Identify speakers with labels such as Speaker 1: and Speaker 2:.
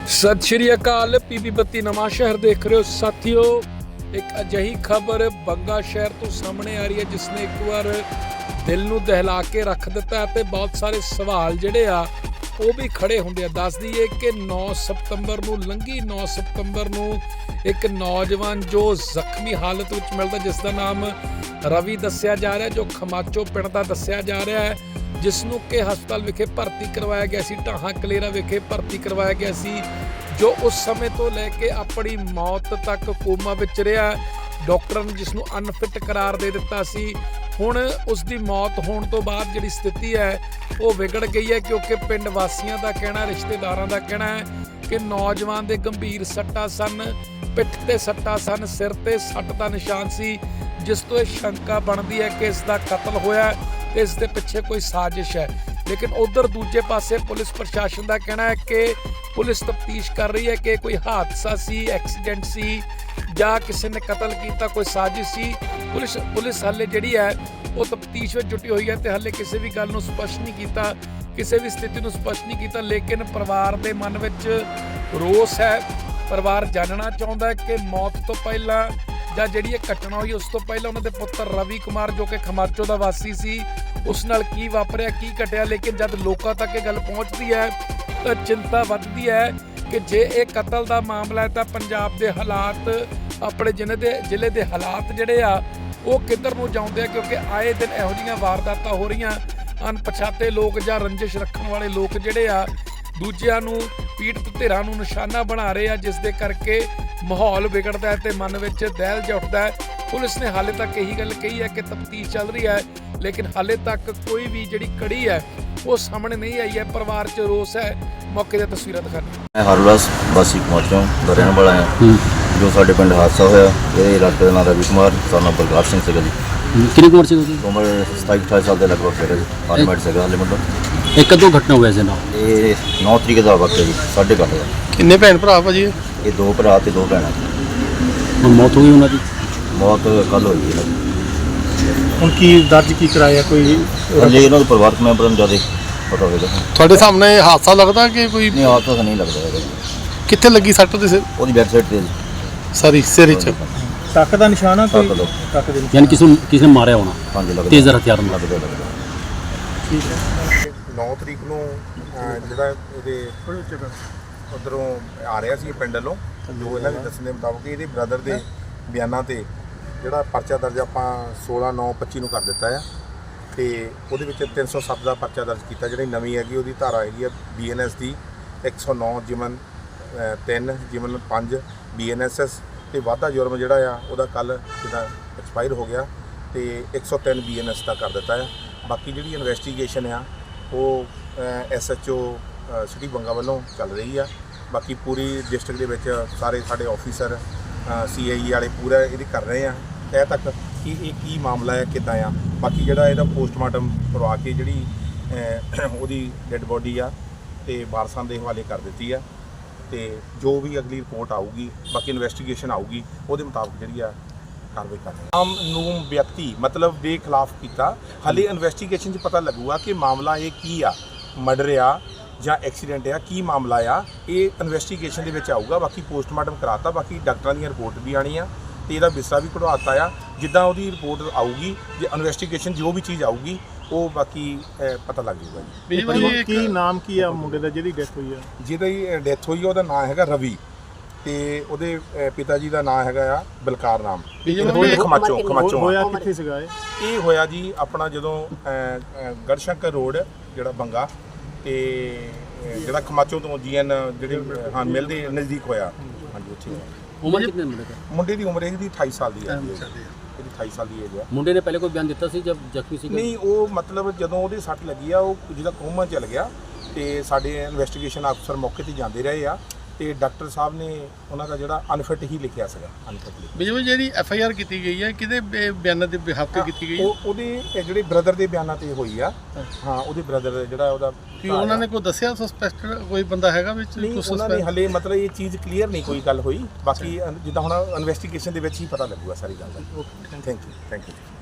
Speaker 1: सत श्री अकाल। पीपी बत्ती नवां शहर देख रहे हो साथियों। एक अजिही खबर बंगा शहर तो सामने आ रही है जिसने एक बार दिल नूं दहला के रख दिता है। बहुत सारे सवाल जिहड़े आ वो भी खड़े होंदे आ। दस दईए कि 9 सितंबर नूं लंघी 9 सितंबर नूं एक नौजवान जो ਜ਼ਖਮੀ हालत ਵਿੱਚ मिलदा जिसका नाम रवि दस्सिया जा रहा है, जो खमाचो पिंड दा दस्सिया जा रहा है, जिसनों के हस्पताल विखे भर्ती करवाया गया सी, ढाहां कलेरा विखे भर्ती करवाया गया सी, जो उस समय तो लैके अपनी मौत तक कोमा विच रहा। डॉक्टर ने जिसनों अनफिट करार दे दिता सी। हुण उसकी मौत होने तो बाद जिहड़ी स्थिति है वो विगड़ गई है, क्योंकि पिंड वासियों का कहना, रिश्तेदारों का कहना है कि नौजवान के गंभीर सट्टा सन, पिठ ते सट्टा सन, सिर ते सट्ट का निशान सी, जिस तो यह शंका बनती है कि इसका कतल होया, इस दे पिछे कोई साजिश है। लेकिन उधर दूजे पासे पुलिस प्रशासन का कहना है कि पुलिस तफ्तीश कर रही है कि कोई हादसा सी, एक्सीडेंट सी, या किसी ने कतल किया, कोई साजिश सी। पुलिस हाले जिहड़ी है वो तफ्तीश में जुटी हुई है तो हाले किसी भी गल नूं स्पष्ट नहीं किया, किसी भी स्थिति नूं स्पष्ट नहीं किया। लेकिन परिवार के मन में रोस है। परिवार जानना चाहता है कि मौत तो पहला ਜਾਂ ਜਿਹੜੀ ਇਹ ਘਟਨਾ ਹੋਈ ਉਸ ਤੋਂ ਪਹਿਲਾਂ ਉਹਨਾਂ ਦੇ ਪੁੱਤਰ ਰਵੀ ਕੁਮਾਰ ਜੋ ਕਿ ਖਮਾਚੋ ਦਾ ਵਾਸੀ ਸੀ, ਉਸ ਨਾਲ ਕੀ ਵਾਪਰਿਆ, ਕੀ ਘਟਿਆ। ਲੇਕਿਨ ਜਦ ਲੋਕਾਂ ਤੱਕ ਇਹ ਗੱਲ ਪਹੁੰਚਦੀ ਹੈ ਤਾਂ ਚਿੰਤਾ ਵੱਧਦੀ ਹੈ ਕਿ ਜੇ ਇਹ ਕਤਲ ਦਾ ਮਾਮਲਾ ਹੈ ਤਾਂ ਪੰਜਾਬ ਦੇ ਹਾਲਾਤ, ਆਪਣੇ ਜ਼ਿਲ੍ਹੇ ਦੇ ਹਾਲਾਤ ਜਿਹੜੇ ਆ ਉਹ ਕਿੱਧਰ ਨੂੰ ਜਾਂਦੇ ਆ, ਕਿਉਂਕਿ ਆਏ ਦਿਨ ਇਹੋ ਜਿਹੀਆਂ ਵਾਰਦਾਤਾਂ ਹੋ ਰਹੀਆਂ। ਅਣਪਛਾਤੇ ਲੋਕ ਜਾਂ ਰੰਜਿਸ਼ ਰੱਖਣ ਵਾਲੇ ਲੋਕ ਜਿਹੜੇ ਆ ਦੂਜਿਆਂ ਨੂੰ, ਪੀੜਤ ਧਿਰਾਂ ਨੂੰ ਨਿਸ਼ਾਨਾ ਬਣਾ ਰਹੇ ਆ, ਜਿਸ ਦੇ ਕਰਕੇ माहौल बिगड़ता है तो मन में दहल जा उठता है। पुलिस ने हाले तक यही गल कही है कि तफ्तीश चल रही है, लेकिन हाले तक कोई भी जी कड़ी है वो सामने नहीं आई है। परिवार च रोस है। मौके की तस्वीरें दिखाने।
Speaker 2: मैं हरलास वासी खमाचों का रहने वाला है। जो साढ़े पिंड हादसा होया, ये इलाके का नाम रवि कुमार सन बलकार सिंह सीगा जी।
Speaker 3: कितनी उम्र सी उसकी?
Speaker 2: उम्र 27-28 साल के लगभग सीगा जी। फार्मेट सीगा हाले मतलब।
Speaker 3: एक कदों घटना हुआ इस नाल?
Speaker 2: ये 9 तरीक का वक्त है जी, 8:30
Speaker 4: किन्ने भैन भरा भाजी?
Speaker 2: ये 2 भरा ते 2 भैन।
Speaker 3: ਹੁਣ मौत हो गई उन्होंने?
Speaker 2: मौत कल हुई है।
Speaker 4: ਹੁਣ ਕੀ ਦਰਜ ਕੀ ਕਰਾਇਆ ਕੋਈ?
Speaker 2: हले इन्होंने परिवारक मैंबर ਨੂੰ ज़्यादा पता होगा।
Speaker 4: ਤੁਹਾਡੇ ਸਾਹਮਣੇ ਹਾਦਸਾ ਲੱਗਦਾ ਕਿ ਕੋਈ?
Speaker 2: नहीं हादसा तो नहीं लगता है।
Speaker 4: ਕਿੱਥੇ ਲੱਗੀ ਸੱਟ ਉਹਦੇ ਸਿਰ?
Speaker 2: ਉਹਦੀ बैक साइड ਤੇ
Speaker 4: ਸਾਰੀ ਸਿਰ ਵਿੱਚ
Speaker 5: ਟੱਕ ਦਾ ਨਿਸ਼ਾਨ ਆ ਕੋਈ?
Speaker 4: ਟੱਕ ਦੇ
Speaker 3: यानी किसी ने मारा होना?
Speaker 2: हाँ जी लगता।
Speaker 3: तेज हथियार ਨਾਲ
Speaker 2: लगता।
Speaker 5: ਠੀਕ ਹੈ।
Speaker 6: 9 ਤਰੀਕ ਨੂੰ ਜਿਹੜਾ ਇਹਦੇ ਉੱਧਰੋਂ ਆ ਰਿਹਾ ਸੀ ਪਿੰਡ ਵੱਲੋਂ, ਜੋ ਇਹਨਾਂ ਦੇ ਦੱਸਣ ਦੇ ਮੁਤਾਬਕ ਇਹਦੇ ਬ੍ਰਦਰ ਦੇ ਬਿਆਨਾਂ ਤੇ ਜਿਹੜਾ ਪਰਚਾ ਦਰਜ ਆਪਾਂ 16/9/25 ਨੂੰ ਕਰ ਦਿੱਤਾ ਆ, ਤੇ ਉਹਦੇ ਵਿੱਚ 307 ਦਾ ਪਰਚਾ ਦਰਜ ਕੀਤਾ। ਜਿਹੜੀ ਨਵੀਂ ਹੈਗੀ ਉਹਦੀ ਧਾਰਾ ਹੈਗੀ ਆ BNS ਦੀ 109 ਜਿਮਨ 3 ਜਿਮਨ 5 BNSS, ਤੇ ਵਾਧਾ ਜੁਰਮ ਜਿਹੜਾ ਆ ਉਹਦਾ ਕੱਲ ਜਿੱਦਾਂ ਐਕਸਪਾਇਰ ਹੋ ਗਿਆ ਤੇ 103 BNS ਦਾ ਕਰ ਦਿੱਤਾ ਆ। ਬਾਕੀ ਜਿਹੜੀ ਇਨਵੈਸਟੀਗੇਸ਼ਨ ਆ ਉਹ SHO ਸਿਟੀ ਬੰਗਾ ਵੱਲੋਂ ਚੱਲ ਰਹੀ ਆ। ਬਾਕੀ ਪੂਰੀ ਡਿਸਟ੍ਰਿਕਟ ਦੇ ਵਿੱਚ ਸਾਰੇ ਸਾਡੇ ਆਫੀਸਰ CIE ਵਾਲੇ ਪੂਰਾ ਇਹਦੀ ਕਰ ਰਹੇ ਆ ਤਹਿ ਤੱਕ ਕਿ ਇਹ ਕੀ ਮਾਮਲਾ ਹੈ, ਕਿੱਦਾਂ ਆ। ਬਾਕੀ ਜਿਹੜਾ ਇਹਦਾ ਪੋਸਟਮਾਰਟਮ ਕਰਵਾ ਕੇ ਜਿਹੜੀ ਉਹਦੀ ਡੈੱਡ ਬੋਡੀ ਆ ਤੇ ਵਾਰਸਾਂ ਦੇ ਹਵਾਲੇ ਕਰ ਦਿੱਤੀ ਆ, ਤੇ ਜੋ ਵੀ ਅਗਲੀ ਰਿਪੋਰਟ ਆਊਗੀ, ਬਾਕੀ ਇਨਵੈਸਟੀਗੇਸ਼ਨ ਆਊਗੀ, ਉਹਦੇ ਮੁਤਾਬਕ ਜਿਹੜੀ ਆ ਕਾਰਵਾਈ ਕਰਨੀ। ਆਮ ਨੂੰ ਵਿਅਕਤੀ ਮਤਲਬ ਦੇ ਖਿਲਾਫ ਕੀਤਾ। ਹਾਲੇ ਇਨਵੈਸਟੀਗੇਸ਼ਨ 'ਚ ਪਤਾ ਲੱਗੂਗਾ ਕਿ ਮਾਮਲਾ ਇਹ ਕੀ ਆ, ਮਰਡਰ ਆ ਜਾਂ ਐਕਸੀਡੈਂਟ ਆ, ਕੀ ਮਾਮਲਾ ਆ, ਇਹ ਇਨਵੈਸਟੀਗੇਸ਼ਨ ਦੇ ਵਿੱਚ ਆਊਗਾ। ਬਾਕੀ ਪੋਸਟਮਾਰਟਮ ਕਰਾਤਾ, ਬਾਕੀ ਡਾਕਟਰਾਂ ਦੀਆਂ ਰਿਪੋਰਟ ਵੀ ਆਣੀ ਆ ਤੇ ਇਹਦਾ ਵਿਸਰਾ ਵੀ ਕਢਵਾਤਾ ਆ। ਜਿੱਦਾਂ ਉਹਦੀ ਰਿਪੋਰਟ ਆਊਗੀ, ਜੇ ਇਨਵੈਸਟੀਗੇਸ਼ਨ ਜੋ ਵੀ ਚੀਜ਼ ਆਊਗੀ ਉਹ ਬਾਕੀ ਪਤਾ ਲੱਗ ਜਾਊਗਾ ਜੀ।
Speaker 5: ਕੀ ਨਾਮ ਕੀ ਆ ਮੁੰਡੇ ਦਾ ਜਿਹਦੀ ਡੈਥ ਹੋਈ ਆ?
Speaker 6: ਜਿਹਦੀ ਡੈਥ ਹੋਈ ਆ ਉਹਦਾ ਨਾਮ ਹੈਗਾ ਰਵੀ, ਤੇ ਉਹਦੇ ਪਿਤਾ ਜੀ ਦਾ ਨਾਮ ਹੈਗਾ ਆ ਬਲਕਾਰ ਨਾਮ। ਖਮਾਚੋ
Speaker 5: ਹੋਇਆ ਕਿੱਥੇ ਸੀਗਾ
Speaker 6: ਇਹ ਹੋਇਆ ਜੀ ਆਪਣਾ ਜਦੋਂ ਗੜਸ਼ੰਕਰ ਰੋਡ ਜਿਹੜਾ ਬੰਗਾ ਤੇ ਜਿਹੜਾ ਖਮਾਚੋ ਤੋਂ GN ਜਿਹੜੇ ਹਾਂ ਮਿਲਦੇ ਨਜ਼ਦੀਕ ਹੋਇਆ। ਹਾਂਜੀ ਉੱਥੇ
Speaker 3: उम्र कितने मुंडे का?
Speaker 6: ਮੁੰਡੇ ਦੀ ਉਮਰ ਇਹਦੀ 28 ਸਾਲ ਦੀ ਹੈ। ਇਹਦੀ 28 ਸਾਲ ਦੀ ਏਜ ਹੈ।
Speaker 3: मुंडे ने पहले कोई बयान दिता सी जब जख्मी सी?
Speaker 6: ਨਹੀਂ, ਉਹ ਮਤਲਬ ਜਦੋਂ ਉਹਦੇ ਸੱਟ ਲੱਗੀ ਆ ਉਹ ਜਿਹਦਾ ਕੋਮਾ ਚੱਲ ਗਿਆ, ਤੇ ਸਾਡੇ ਇਨਵੈਸਟੀਗੇਸ਼ਨ ਅਫਸਰ ਮੌਕੇ ਤੇ ਜਾਂਦੇ ਰਹੇ ਆ, ਤੇ ਡਾਕਟਰ ਸਾਹਿਬ ਨੇ ਉਹਨਾਂ ਦਾ ਜਿਹੜਾ ਅਨਫਿਟ ਹੀ ਲਿਖਿਆ ਸੀਗਾ। ਅਨਫਿਟ
Speaker 4: ਬਿਜੂ ਜਿਹੜੀ FIR ਕੀਤੀ ਗਈ ਹੈ ਕਿਹਦੇ ਬਿਆਨਾਂ ਦੇ ਬਿਹਾਫ ਤੇ ਕੀਤੀ ਗਈ ਹੈ?
Speaker 6: ਉਹਦੇ ਜਿਹੜੇ ਬ੍ਰਦਰ ਦੇ ਬਿਆਨਾਂ ਤੇ ਹੋਈ ਆ। ਹਾਂ, ਉਹਦੇ ਬ੍ਰਦਰ ਜਿਹੜਾ ਉਹਦਾ
Speaker 4: ਕੀ ਉਹਨਾਂ ਨੇ ਕੋਈ ਦੱਸਿਆ ਸਸਪੈਕਟਡ ਕੋਈ ਬੰਦਾ ਹੈਗਾ ਵਿੱਚ?
Speaker 6: ਉਹਨਾਂ ਨੇ ਹਲੇ ਮਤਲਬ ਇਹ ਚੀਜ਼ ਕਲੀਅਰ ਨਹੀਂ ਕੋਈ ਗੱਲ ਹੋਈ। ਬਾਕੀ ਜਿੱਦਾਂ ਹੁਣ ਇਨਵੈਸਟੀਗੇਸ਼ਨ ਦੇ ਵਿੱਚ ਹੀ ਪਤਾ ਲੱਗੂਗਾ ਸਾਰੀ ਗੱਲ ਦਾ। Thank you.